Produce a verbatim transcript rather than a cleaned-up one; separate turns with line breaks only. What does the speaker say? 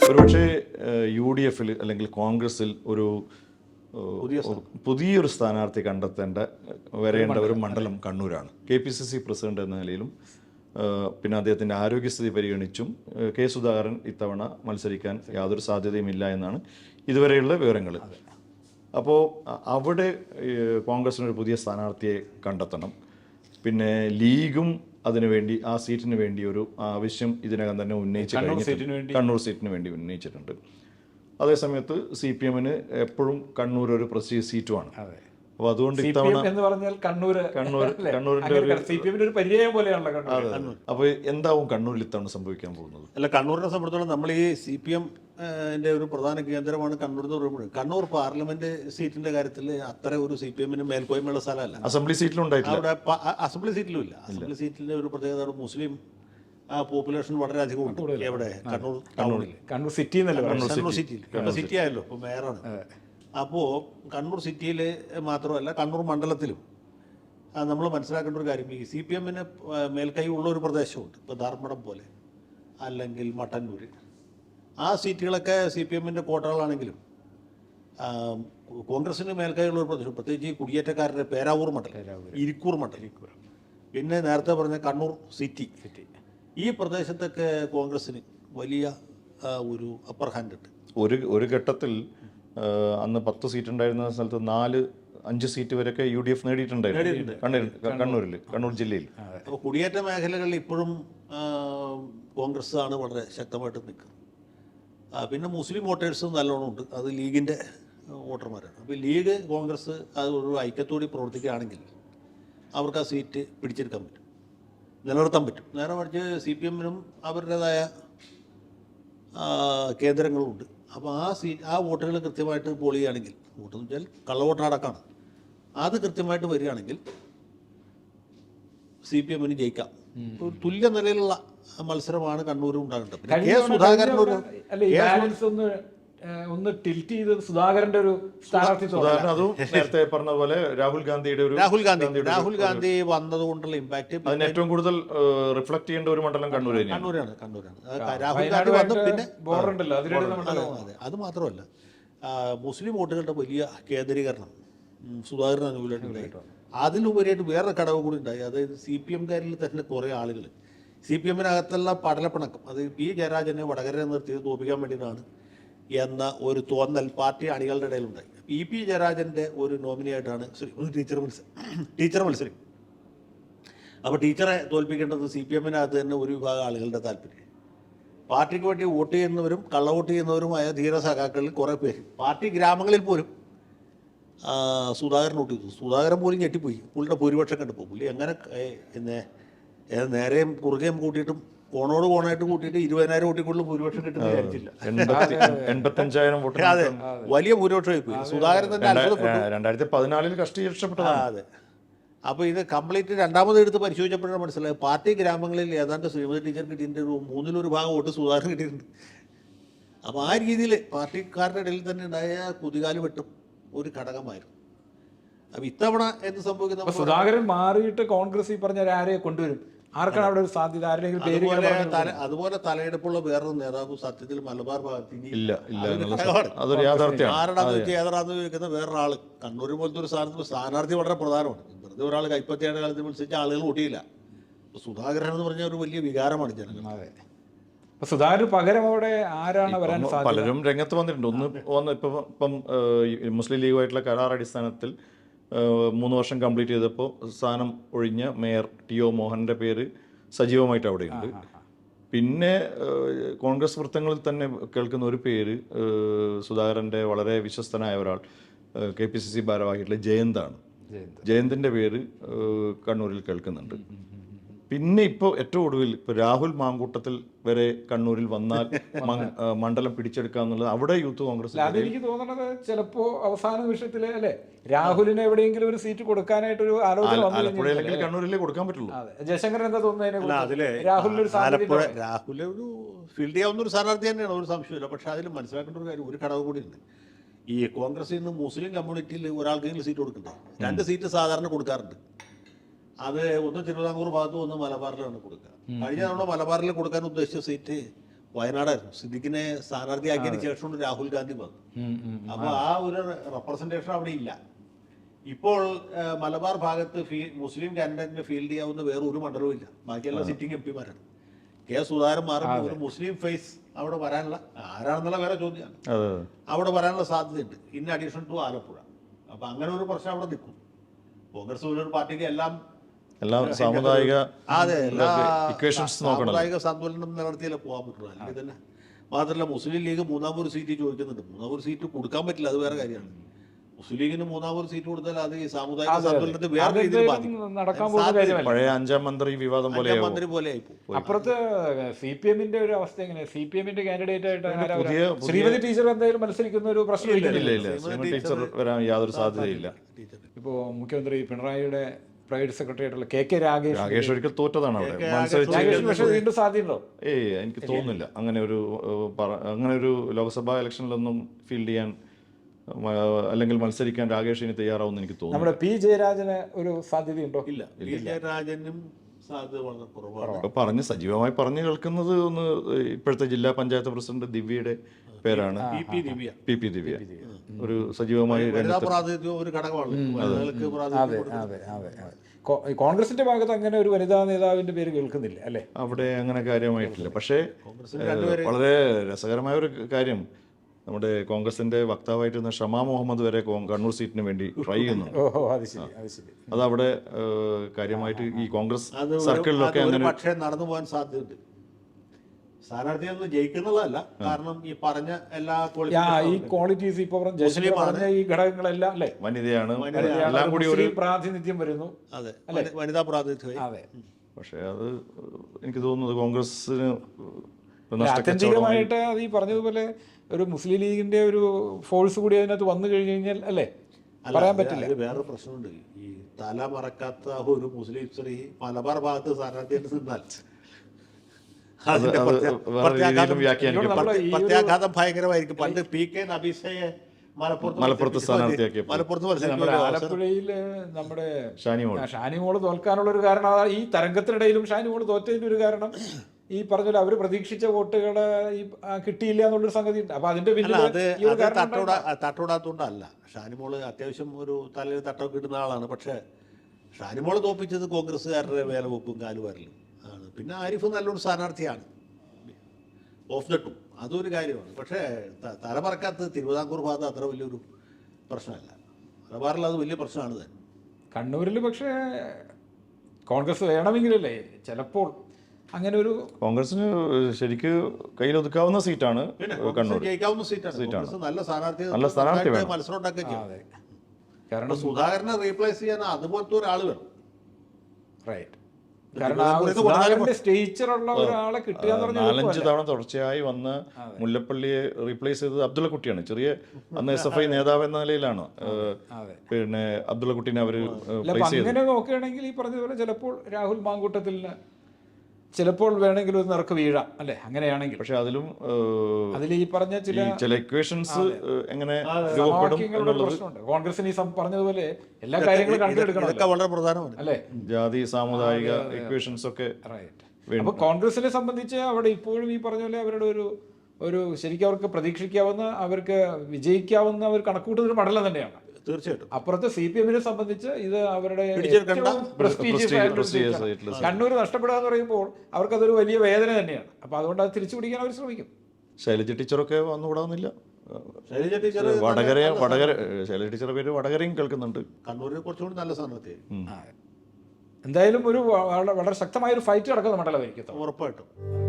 ഒരുപക്ഷെ U D എഫിൽ അല്ലെങ്കിൽ കോൺഗ്രസിൽ ഒരു പുതിയൊരു സ്ഥാനാർത്ഥി കണ്ടെത്തേണ്ട വരേണ്ട ഒരു മണ്ഡലം കണ്ണൂരാണ്. K P C C president എന്ന നിലയിലും പിന്നെ അദ്ദേഹത്തിൻ്റെ ആരോഗ്യസ്ഥിതി പരിഗണിച്ചും കെ സുധാകരൻ ഇത്തവണ മത്സരിക്കാൻ യാതൊരു സാധ്യതയുമില്ല എന്നാണ് ഇതുവരെയുള്ള വിവരങ്ങൾ. അപ്പോൾ അവിടെ കോൺഗ്രസിനൊരു പുതിയ സ്ഥാനാർത്ഥിയെ കണ്ടെത്തണം. പിന്നെ ലീഗും അതിനുവേണ്ടി ആ സീറ്റിന് വേണ്ടി ഒരു ആവശ്യം ഇതിനകം തന്നെ ഉന്നയിച്ച് കഴിഞ്ഞിട്ടുണ്ട്. കണ്ണൂർ സീറ്റിന് വേണ്ടി ഉന്നയിച്ചിട്ടുണ്ട്. അതേസമയത്ത് സി പി എമ്മിന് എപ്പോഴും കണ്ണൂർ ഒരു പ്രസ്റ്റീജ് സീറ്റുമാണ്. അപ്പോൾ അതുകൊണ്ട് ഇത്തവണ
എന്ന് പറഞ്ഞാൽ കണ്ണൂർ
കണ്ണൂർ കണ്ണൂരിന്റെ
സി പി എമ്മിന്റെ ഒരു പര്യായം പോലെയാണല്ലോ
കണ്ണൂർ. അപ്പോൾ എന്താവും കണ്ണൂരിൽ ഇത്തവണ സംഭവിക്കാൻ പോകുന്നത്?
അല്ല, കണ്ണൂരിനെ സംബന്ധിച്ചിടത്തോളം നമ്മൾ ഈ സി പി എം ന്റെ ഒരു പ്രധാന കേന്ദ്രമാണ് കണ്ണൂർ എന്ന് പറയുമ്പോൾ കണ്ണൂർ പാർലമെന്റ് സീറ്റിന്റെ കാര്യത്തിൽ അത്ര ഒരു സി പി എമ്മിന് മേൽക്കോയ്മയുള്ള സ്ഥലമല്ല.
അസംബ്ലി സീറ്റിലുണ്ടായിട്ടില്ല.
അവിടെ അസംബ്ലി സീറ്റിലും ഇല്ല. അസംബ്ലി സീറ്റിന്റെ ഒരു പ്രത്യേകത മുസ്ലിം പോപ്പുലേഷൻ വളരെ അധികം ഉണ്ട്. എവിടെ? കണ്ണൂർ ടൗണിൽ,
കണ്ണൂർ സിറ്റി
കണ്ണൂർ സിറ്റിയിൽ. കണ്ണൂർ സിറ്റി ആയല്ലോ ഇപ്പോൾ മേയറാണ്. അപ്പോൾ കണ്ണൂർ സിറ്റിയിൽ മാത്രമല്ല കണ്ണൂർ മണ്ഡലത്തിലും നമ്മൾ മനസ്സിലാക്കേണ്ട ഒരു കാര്യം, ഈ സി പി എമ്മിന് മേൽക്കൈ ഉള്ള ഒരു പ്രദേശമുണ്ട്. ഇപ്പോൾ ധർമ്മടം പോലെ അല്ലെങ്കിൽ മട്ടന്നൂർ, ആ സീറ്റുകളൊക്കെ സി പി എമ്മിൻ്റെ കോട്ടകളാണെങ്കിലും കോൺഗ്രസിന് മേൽക്കൈയുള്ള ഒരു പ്രദേശം, പ്രത്യേകിച്ച് ഈ കുടിയേറ്റക്കാരുടെ പേരാവൂർ മണ്ഡലം, ഇരിക്കൂർ മണ്ഡലം, പിന്നെ നേരത്തെ പറഞ്ഞ കണ്ണൂർ സിറ്റി സിറ്റി ഈ പ്രദേശത്തൊക്കെ കോൺഗ്രസിന് വലിയ ഒരു അപ്പർ ഹാൻഡ് ഉണ്ട്.
ഒരു ഒരു ഘട്ടത്തിൽ അന്ന് പത്ത് സീറ്റ് ഉണ്ടായിരുന്ന സ്ഥലത്ത് നാല് അഞ്ച് സീറ്റ് വരെയൊക്കെ യു ഡി എഫ് നേടിയിട്ടുണ്ടായിരുന്നു കണ്ണൂരിൽ, കണ്ണൂർ ജില്ലയിൽ.
അപ്പോൾ കുടിയേറ്റ മേഖലകളിൽ ഇപ്പോഴും കോൺഗ്രസ് ആണ് വളരെ ശക്തമായിട്ട് നിൽക്കുന്നത്. പിന്നെ മുസ്ലിം വോട്ടേഴ്സും നല്ലോണം ഉണ്ട്, അത് ലീഗിൻ്റെ വോട്ടർമാരാണ്. അപ്പോൾ ലീഗ് കോൺഗ്രസ് അത് ഒരു ഐക്യത്തോടെ പ്രവർത്തിക്കുകയാണെങ്കിൽ അവർക്ക് ആ സീറ്റ് പിടിച്ചെടുക്കാൻ പറ്റും, നിലനിർത്താൻ പറ്റും. നേരെ മറിച്ച് സി പി എമ്മിനും അവരുടേതായ കേന്ദ്രങ്ങളുണ്ട്. അപ്പോൾ ആ സീ ആ വോട്ടുകൾ കൃത്യമായിട്ട് പോൾ ചെയ്യുകയാണെങ്കിൽ, വോട്ടെന്ന് വെച്ചാൽ കള്ളവോട്ടടക്കമാണ്, അത് കൃത്യമായിട്ട് വരികയാണെങ്കിൽ സി പി എമ്മിന് ജയിക്കാം. ഒരു തുല്യ നിലയിലുള്ള മത്സരമാണ് കണ്ണൂരും ഉണ്ടാകേണ്ടത്. പിന്നെ കെ സുധാകരൻ ഒരു
ഒന്ന് ടിൽറ്റ് ചെയ്ത് സുധാകരന്റെ ഒരു സ്ഥാനാർത്ഥി
അതും നേരത്തെ പറഞ്ഞ പോലെ രാഹുൽ ഗാന്ധിയുടെ ഒരു
രാഹുൽ ഗാന്ധി രാഹുൽ ഗാന്ധി വന്നതുകൊണ്ടുള്ള ഇമ്പാക്ട്
അതിന് ഏറ്റവും കൂടുതൽ റിഫ്ലക്ട് ചെയ്യേണ്ട ഒരു മണ്ഡലം കണ്ണൂർ
കണ്ണൂരാണ് കണ്ണൂരാണ് രാഹുൽ ഗാന്ധി വന്നു. പിന്നെ അതെ, അത് മാത്രമല്ല മുസ്ലിം വോട്ടുകളുടെ വലിയ കേന്ദ്രീകരണം സുധാകരൻ അനുകൂലമായിട്ടുണ്ടായി. അതിലുപരിയായിട്ട് വേറെ ഘടകം കൂടി ഉണ്ടായി. അതായത് സി പി എംകാരിൽ തന്നെ കുറേ ആളുകൾ സി പി എമ്മിനകത്തുള്ള പടലപ്പിണക്കം, അത് പി ജയരാജനെ വടകര നിർത്തിയത് തോപ്പിക്കാൻ വേണ്ടിയിട്ടാണ് എന്ന ഒരു തോന്നൽ പാർട്ടി അണികളുടെ ഇടയിലുണ്ടായി. ഇ പി ജയരാജൻ്റെ ഒരു നോമിനിയായിട്ടാണ് ടീച്ചർ മത്സരം ടീച്ചർ മത്സരം അപ്പോൾ ടീച്ചറെ തോൽപ്പിക്കേണ്ടത് സി പി എമ്മിനകത്ത് തന്നെ ഒരു വിഭാഗം ആളുകളുടെ താല്പര്യം. പാർട്ടിക്ക് വേണ്ടി വോട്ട് ചെയ്യുന്നവരും കള്ളവോട്ട് ചെയ്യുന്നവരുമായ ധീര സഖാക്കളിൽ കുറേ പേര് പാർട്ടി ഗ്രാമങ്ങളിൽ പോലും സുധാകരൻ വോട്ട് ചെയ്തു. സുധാകരൻ പോലും ഞെട്ടിപ്പോയി പുള്ളിയുടെ ഭൂരിപക്ഷം കണ്ടപ്പോൾ. പുള്ളി എങ്ങനെ പിന്നെ നേരെയും കുറുകയും കൂട്ടിയിട്ടും കോണോട് കോണായിട്ട് കൂട്ടിയിട്ട് ഇരുപതിനായിരം വോട്ടിക്കുള്ളിൽ ഭൂരിപക്ഷം കിട്ടുന്ന വിചാരിച്ചില്ല.
എൺപത്തഞ്ചായിരം വോട്ട്,
അതെ, വലിയ ഭൂരിപക്ഷമായി പോയി. സുധാകരൻ തന്നെ അത്ഭുതപ്പെട്ടു.
രണ്ടായിരത്തി പതിനാലിൽ കഷ്ടി രക്ഷപ്പെട്ടു.
അതെ. അപ്പോൾ ഇത് കംപ്ലീറ്റ് രണ്ടാമത് എടുത്ത് പരിശോധിച്ചപ്പോഴാണ് മനസ്സിലായത് പാർട്ടി ഗ്രാമങ്ങളിൽ ഏതാണ്ട് ശ്രീമതി ടീച്ചർ കിട്ടിയതിൻ്റെ ഒരു മൂന്നിലൊരു ഭാഗം വോട്ട് സുധാകരൻ കിട്ടിയിട്ടുണ്ട്. അപ്പോൾ ആ രീതിയിൽ പാർട്ടിക്കാരുടെ ഇടയിൽ തന്നെ ഉണ്ടായ കുതികാല് വെട്ടും ഒരു ഘടകമായിരുന്നു. അപ്പോൾ ഇത്തവണ എന്ത് സംഭവിക്കുന്ന
സുധാകരൻ മാറിയിട്ട് കോൺഗ്രസ് ഈ പറഞ്ഞ ആരെയെ കൊണ്ടുവരും, ആർക്കാണ് അവിടെ ഒരു സാധ്യത? ആരെങ്കിലും പേര്
അതുപോലെ തലയെടുപ്പുള്ള വേറൊരു നേതാവ് സത്യത്തിൽ മലബാർ ഭാഗത്ത് ആരാണെന്ന് വെച്ചാൽ ഏതാണെന്ന് ചോദിക്കുന്ന വേറൊരാൾ. കണ്ണൂർ പോലത്തെ ഒരു സ്ഥാനത്ത് സ്ഥാനാർത്ഥി വളരെ പ്രധാനമാണ്. വെറുതെ ഒരാൾ കൈപ്പത്തിയുടെ കാലത്ത് മത്സരിച്ച ആളുകൾ കൂട്ടിയില്ല. സുധാകരൻ എന്ന് പറഞ്ഞ ഒരു വലിയ വികാരമാണ് ജനങ്ങൾ.
സുധാകരൻ പകരം അവിടെ ആരാണ് വരാൻ സാധ്യത?
പലരും രംഗത്ത് വന്നിട്ടുണ്ട്. ഒന്ന് വന്ന് ഇപ്പം ഇപ്പം മുസ്ലിം ലീഗുമായിട്ടുള്ള കരാർ അടിസ്ഥാനത്തിൽ മൂന്ന് വർഷം കംപ്ലീറ്റ് ചെയ്തപ്പോൾ സ്ഥാനം ഒഴിഞ്ഞ മേയർ ടി ഒ മോഹൻ്റെ പേര് സജീവമായിട്ട് അവിടെയുണ്ട്. പിന്നെ കോൺഗ്രസ് വൃത്തങ്ങളിൽ തന്നെ കേൾക്കുന്ന ഒരു പേര് സുധാകരൻ്റെ വളരെ വിശ്വസ്തനായ ഒരാൾ കെ പി സി സി ഭാരവാഹിയായിട്ടുള്ള ജയന്താണ്. ജയന്തിൻ്റെ പേര് കണ്ണൂരിൽ കേൾക്കുന്നുണ്ട്. പിന്നെ ഇപ്പോൾ ഏറ്റവും ഒടുവിൽ ഇപ്പോൾ രാഹുൽ മാങ്കൂട്ടത്തിൽ വരെ കണ്ണൂരിൽ വന്നാൽ മണ്ഡലം പിടിച്ചെടുക്കുക എന്നുള്ളത് അവിടെ യൂത്ത് കോൺഗ്രസ്.
അതെനിക്ക് തോന്നുന്നത് ചിലപ്പോൾ അവസാന നിമിഷത്തിൽ അല്ലേ രാഹുലിന് എവിടെയെങ്കിലും ഒരു സീറ്റ് കൊടുക്കാനായിട്ടൊരു ആലോചന
ആലപ്പുഴയിലെങ്കിൽ കണ്ണൂരിലേ കൊടുക്കാൻ പറ്റുള്ളൂ.
ജയശങ്കരൻ എന്താ തോന്നുന്നത്?
രാഹുൽ രാഹുൽ ഒരു ഫീൽഡ് ചെയ്യാവുന്ന ഒരു സ്ഥാനാർത്ഥി തന്നെയാണ്, ഒരു സംശയമില്ല. പക്ഷെ അതിൽ മനസ്സിലാക്കേണ്ട ഒരു കാര്യം, ഒരു ഘടകം കൂടി ഉണ്ട്. ഈ കോൺഗ്രസിൽ നിന്ന് മുസ്ലിം കമ്മ്യൂണിറ്റിയിൽ ഒരാൾക്കെങ്കിലും സീറ്റ് കൊടുക്കണ്ടേ? രണ്ട് സീറ്റ് സാധാരണ കൊടുക്കാറുണ്ട്. അത് ഒന്ന് തിരുവിതാംകൂർ ഭാഗത്തും ഒന്ന് മലബാറിലാണ് കൊടുക്കുക. കഴിഞ്ഞ തവണ മലബാറിൽ കൊടുക്കാൻ ഉദ്ദേശിച്ച സീറ്റ് വയനാടായിരുന്നു. സിദ്ദിഖിനെ സ്ഥാനാർത്ഥിയാക്കിയതിന് ശേഷമാണ് രാഹുൽ ഗാന്ധി വന്നത്. അപ്പോൾ ആ ഒരു റെപ്രസെൻറ്റേഷൻ അവിടെ ഇല്ല. ഇപ്പോൾ മലബാർ ഭാഗത്ത് ഫീ മുസ്ലിം കാൻഡിഡേറ്റിന് ഫീൽഡ് ചെയ്യാവുന്ന വേറെ ഒരു മണ്ഡലവും ഇല്ല. ബാക്കിയെല്ലാം സിറ്റിംഗ് എം പിമാരാണ്. കെ സുധാകരൻ മാറുമ്പോൾ ഒരു മുസ്ലിം ഫേസ് അവിടെ വരാനുള്ള, ആരാണെന്നുള്ള വേറെ ചോദ്യമാണ്, അവിടെ വരാനുള്ള സാധ്യതയുണ്ട്. In addition to Alappuzha. അപ്പം അങ്ങനെ ഒരു പ്രശ്നം അവിടെ നിൽക്കും. കോൺഗ്രസ് പോലൊരു പാർട്ടിക്ക് എല്ലാം
എല്ലാം സാമുദായിക
അതെ എല്ലാ
ഇക്വേഷൻസ്
സാമുദായിക സന്തുലനം നിലനിർത്തിയാലേ പോകാൻ പറ്റുള്ളൂ. അല്ലെങ്കിൽ തന്നെ മാത്രമല്ല മുസ്ലിം ലീഗ് മൂന്നാമൊരു സീറ്റ് ചോദിക്കുന്നുണ്ട്. മൂന്നാമൊരു സീറ്റ് കൊടുക്കാൻ പറ്റില്ല, അത് വേറെ കാര്യമാണ്. മുസ്ലിം ലീഗിന് മൂന്നാമൊരു സീറ്റ് കൊടുത്താൽ അത് ഈ സാമുദായിക സന്തുലനത്തെ വേറെ രീതിയിൽ ബാധിക്കും.
നടക്കാൻ പോകുന്ന കാര്യമല്ല.
പഴയ അഞ്ചാം മന്ത്രി വിവാദം പോലെ
മന്ത്രി പോലെ ആയിപ്പോ.
അപ്പുറത്ത് സി പി എമ്മിന്റെ ഒരു അവസ്ഥ എങ്ങനെ? സി പി എമ്മിന്റെ കാൻഡിഡേറ്റ് ആയിട്ട് ശ്രീമതി ടീച്ചർ എന്തായാലും മത്സരിക്കുന്ന ഒരു പ്രശ്നം
ഇല്ല ഇല്ല ടീച്ചർ വരാൻ യാതൊരു സാധ്യതയില്ല.
ഇപ്പോ മുഖ്യമന്ത്രി പിണറായിയുടെ പ്രൈവറ്റ് സെക്രട്ടറി ആയിട്ടുള്ള കെ കെ രാഗേഷ്
രാഗേഷ് ഒരിക്കൽ തോറ്റതാണ് അവിടെ
രാഗേഷ് പക്ഷേ വീണ്ടും സാധ്യതയുണ്ടോ?
ഏയ് എനിക്ക് തോന്നുന്നില്ല അങ്ങനെ ഒരു അങ്ങനെ ഒരു ലോക്സഭാ ഇലക്ഷനിലൊന്നും ഫീൽഡ് ചെയ്യാൻ അല്ലെങ്കിൽ മത്സരിക്കാൻ രാഗേഷിന് തയ്യാറാവുമെന്ന് എനിക്ക് തോന്നുന്നു.
നമ്മുടെ പി ജയരാജന് ഒരു സാധ്യതയുണ്ടോ?
ഇല്ല, പി ജയരാജനും സാധ്യത വളരെ കുറവാണ്.
പറഞ്ഞ് സജീവമായി പറഞ്ഞു കേൾക്കുന്നത് ഒന്ന് ഇപ്പോഴത്തെ ജില്ലാ പഞ്ചായത്ത് പ്രസിഡന്റ് ദിവ്യയുടെ പേരാണ്.
P P Divya
P P Divya ഒരു സജീവമായി
പ്രാതിനിധ്യം ഒരു ഘടകമാണ്.
അതെ അതെ അതെ. കോൺഗ്രസിന്റെ ഭാഗത്ത് അങ്ങനെ ഒരു വനിതാ നേതാവിന്റെ പേര് കേൾക്കുന്നില്ല അല്ലേ?
അവിടെ അങ്ങനെ കാര്യമായിട്ടില്ല. പക്ഷേ വളരെ രസകരമായ ഒരു കാര്യം, നമ്മുടെ കോൺഗ്രസിന്റെ വക്താവായിട്ടിരുന്ന ഷമാ മുഹമ്മദ് വരെ കണ്ണൂർ സീറ്റിന് വേണ്ടി ട്രൈ ചെയ്യുന്നു. അത് അവിടെ കാര്യമായിട്ട് ഈ കോൺഗ്രസ് സർക്കിളിലൊക്കെ അങ്ങനെ
പക്ഷേ നടന്നു പോകാൻ സാധ്യതയുണ്ട്. സ്ഥാനാർത്ഥിയൊന്നും ജയിക്കുന്നുള്ളതല്ല, കാരണം ഈ പറഞ്ഞ എല്ലാ
ഈ ക്വാളിറ്റീസ് ഇപ്പൊ പറഞ്ഞ ഈ ഘടകങ്ങളെല്ലാം അല്ലേ,
വനിതയാണ്, എല്ലാം കൂടി ഒരു
പ്രാതിനിധ്യം വരുന്നു.
അതെ, വനിതാ പ്രാതിനിധ്യം.
അതെ,
പക്ഷെ അത് എനിക്ക് തോന്നുന്നത് കോൺഗ്രസിന്
ആത്യന്തികമായിട്ട് അത് ഈ പറഞ്ഞതുപോലെ ഒരു മുസ്ലിം ലീഗിന്റെ ഒരു ഫോഴ്സ് കൂടി അതിനകത്ത് വന്നു കഴിഞ്ഞു കഴിഞ്ഞാൽ അല്ലേ പറയാൻ പറ്റില്ല.
വേറെ പ്രശ്നമുണ്ട്. ഈ തല മറക്കാത്ത ഒരു മുസ്ലിം സ്ത്രീ മലബാർ ഭാഗത്ത് സ്ഥാനാർത്ഥിയായിട്ട് നിന്നാൽ പ്രത്യാഘാതം ഭയങ്കരമായിരിക്കും. പണ്ട് പി കെ നബീസയെ
മലപ്പുറത്ത് സ്ഥാനാർത്ഥിയാക്കി
മലപ്പുറത്ത് ആലപ്പുഴയില് നമ്മുടെ ഷാനിമോള് തോൽക്കാനുള്ള ഒരു കാരണം, ഈ തരംഗത്തിനിടയിലും ഷാനിമോള് തോറ്റതിന്റെ ഒരു കാരണം ഈ പറഞ്ഞ അവര് പ്രതീക്ഷിച്ച വോട്ടുകള് ഈ കിട്ടിയില്ല എന്നുള്ളൊരു സംഗതി ഉണ്ട്. അപ്പൊ അതിന്റെ
തട്ടോടാത്തോണ്ടല്ല. ഷാനിമോള് അത്യാവശ്യം ഒരു തലയിൽ തട്ടമൊക്കെ ഇടുന്ന ആളാണ്. പക്ഷെ ഷാനിമോള് തോപ്പിച്ചത് കോൺഗ്രസ്സുകാരുടെ വേലവെപ്പും കാലുവാരലും ആണ്. പിന്നെ ആരിഫ് നല്ലൊരു സ്ഥാനാർത്ഥിയാണ്, ഓഫ് ദ ടു, അതൊരു കാര്യമാണ്. പക്ഷേ തലമറക്കാത്ത തിരുവിതാംകൂർ ഭാഗത്ത് അത്ര വലിയൊരു പ്രശ്നമല്ല. മലബാറിൽ അത് വലിയ പ്രശ്നമാണ് തന്നെ.
കണ്ണൂരിൽ പക്ഷേ കോൺഗ്രസ് വേണമെങ്കിലല്ലേ ചിലപ്പോൾ അങ്ങനെ ഒരു
കോൺഗ്രസിന് ശരിക്ക് കയ്യിലൊതുക്കാവുന്ന സീറ്റാണ് കണ്ണൂർ.
ജയിക്കാവുന്ന സീറ്റാണ്. നല്ല സ്ഥാനാർത്ഥി
നല്ല സ്ഥാനാർത്ഥി
മത്സരം ഉണ്ടാക്കുകയും ചെയ്യും. കാരണം സുധാകരനെ റീപ്ലേസ് ചെയ്യാൻ അതുപോലത്തെ ഒരാൾ വേണം.
റൈറ്റ്. കാരണം സ്റ്റേച്ചറുള്ള ഒരാളെ കിട്ടുക
നാലഞ്ച് തവണ തുടർച്ചയായി വന്ന് മുല്ലപ്പള്ളിയെ റീപ്ലേസ് ചെയ്തത് അബ്ദുള്ള കുട്ടിയാണ്. ചെറിയ അന്ന് എസ് എഫ് ഐ നേതാവ് എന്ന നിലയിലാണ് പിന്നെ അബ്ദുള്ള കുട്ടീനെ അവര്
അങ്ങനെ നോക്കുകയാണെങ്കിൽ ഈ പറഞ്ഞതുപോലെ ചിലപ്പോൾ രാഹുൽ മാങ്കൂട്ടത്തിന് ചിലപ്പോൾ വേണമെങ്കിൽ ഒരു നിറക്ക് വീഴാം അല്ലെ, അങ്ങനെയാണെങ്കിൽ.
പക്ഷെ അതിലും
അതിൽ ഈ പറഞ്ഞ ചില
ചില ഇക്വേഷൻസ് എങ്ങനെ രൂപപ്പെടും
പ്രശ്നമുണ്ട്. കോൺഗ്രസിന് ഈ പറഞ്ഞതുപോലെ എല്ലാ കാര്യങ്ങളും കണ്ടെടുക്കണം,
വളരെ പ്രധാനമാണ്
അല്ലെ,
ജാതി സാമുദായിക ഇക്വേഷൻസ് ഒക്കെ.
അപ്പൊ കോൺഗ്രസിനെ സംബന്ധിച്ച് അവിടെ ഇപ്പോഴും ഈ പറഞ്ഞ പോലെ അവരുടെ ഒരു ഒരു ശരിക്കും അവർക്ക് പ്രതീക്ഷിക്കാവുന്ന, അവർക്ക് വിജയിക്കാവുന്ന അവർ കണക്കൂട്ടുന്ന ഒരു മണ്ഡലം തന്നെയാണ്
തീർച്ചയായിട്ടും.
അപ്പുറത്ത് സി പി എമ്മിനെ സംബന്ധിച്ച് ഇത് അവരുടെ കണ്ണൂർ നഷ്ടപ്പെടുക എന്ന് പറയുമ്പോൾ അവർക്കതൊരു വലിയ വേദന തന്നെയാണ്. അപ്പൊ അതുകൊണ്ട് അത് തിരിച്ചു പിടിക്കാൻ അവർ ശ്രമിക്കും.
ശൈലജ ടീച്ചറൊക്കെ വന്നുകൂടാന്നില്ല.
ശൈലജ ടീച്ചർ
വടകര വടകര ശൈലജ ടീച്ചറുടെ പേര് വടകരയും കേൾക്കുന്നുണ്ട്.
കണ്ണൂരിനെ കുറച്ചുകൂടി നല്ല സ്ഥാനത്ത്.
എന്തായാലും ഒരു വളരെ ശക്തമായ ഒരു ഫൈറ്റ് നടക്കുന്ന മണ്ഡലമായിരിക്കും
ഉറപ്പായിട്ടും.